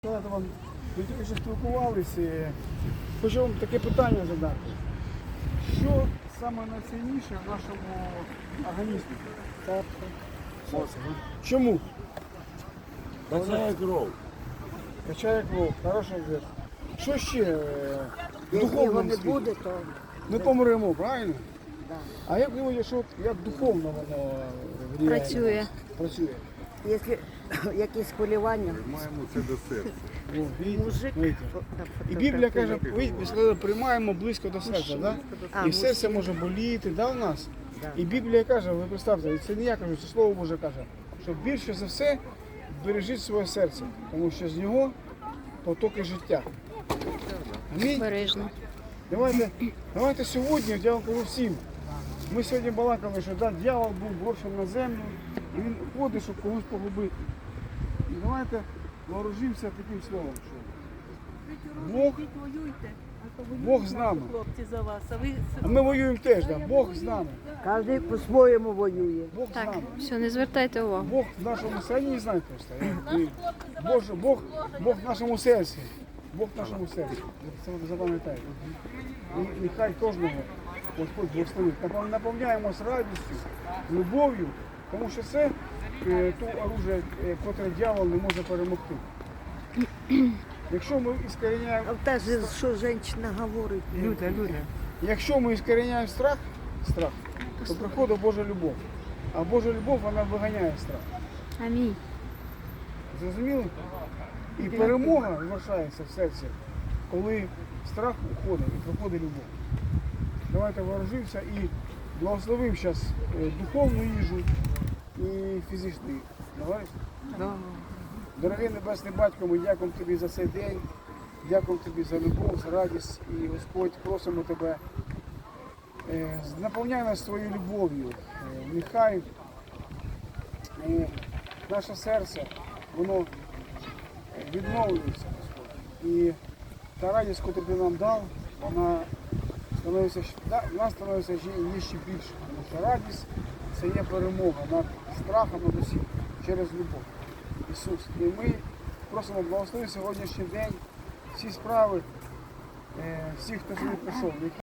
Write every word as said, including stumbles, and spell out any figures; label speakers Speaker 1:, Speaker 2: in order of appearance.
Speaker 1: Коли вам ми тільки що спілкувалися, хочу вам таке питання задати. Що саме найцінніше в нашому організмі? Серце. Чому?
Speaker 2: Качає кров.
Speaker 1: Качає кров, хороший ответ. Що ще е, в
Speaker 3: Якщо його
Speaker 1: духовному
Speaker 3: не
Speaker 1: світі?
Speaker 3: буде, то
Speaker 1: Ми помремо, правильно?
Speaker 3: да.
Speaker 1: А як думаєте, що як духовно воно влияє?
Speaker 4: Працює.
Speaker 1: Працює.
Speaker 3: Якщо якісь хвилювання,
Speaker 2: Маємо це до серця.
Speaker 1: О, видите?
Speaker 3: мужик,
Speaker 1: Видите? І Біблія каже, ви ви сказали, приймаємо близько до серця, да?
Speaker 3: А,
Speaker 1: І серце може боліти, да, у нас?
Speaker 3: Да.
Speaker 1: І Біблія каже, ви представте, і це не я кажу, це Слово Боже каже, що більше за все бережіть своє серце, тому що з нього потоки життя. Амінь.
Speaker 4: Бережно.
Speaker 1: Давайте, давайте сьогодні, я вам кажу всім, ми сьогодні балакали, що да, дьявол був брошений на землю, і він ходить, щоб когось погубити. І давайте вооружимося таким словом, що Бог, Бог з нами.
Speaker 5: Хлопці за вас, а ви
Speaker 1: А ми воюємо теж, да. Бог з нами.
Speaker 3: кожен по-своєму воює.
Speaker 1: Бог з
Speaker 4: Так,
Speaker 1: нами.
Speaker 4: все, не звертайте увагу.
Speaker 1: Бог в нашому серці, не знаю просто. Я- і Боже, Бог, Бог в нашому серці. Бог в нашому серці. Це ви запам'ятаєте. І нехай кожного Господь благословить. Напов- Наповняємось радістю, любов'ю, тому що це е, то оружие, е, котре дьявол не може перемогти. Якщо ми іскореняємо,
Speaker 3: А та ж, що жінка говорить,
Speaker 1: Люда, Люда. Якщо ми іскореняємо страх, страх, то приходить Божа любов. А Божа любов, вона виганяє страх.
Speaker 4: Амінь.
Speaker 1: Зрозуміли? І перемога залишається в серці, коли страх уходить і приходить любов. Давайте вооружимося і благословимо зараз духовну їжу і фізичну їжу. Давай? Дорогий Небесний Батько, ми дякуємо Тобі за цей день, дякуємо Тобі за любов, за радість. І, Господь, просимо Тебе, е, наповняй нас своєю любов'ю. Е, Нехай е, наше серце, воно відновлюється, Господь. І та радість, яку Ти нам дав, вона становиться, щ- да, вона становиться ще, є ще більше. Тому що радість – це є перемога над страхом, над усім, через любов. Ісус. І ми просимо благослови сьогоднішній день, всі справи, е, всіх, хто сюди прийшов.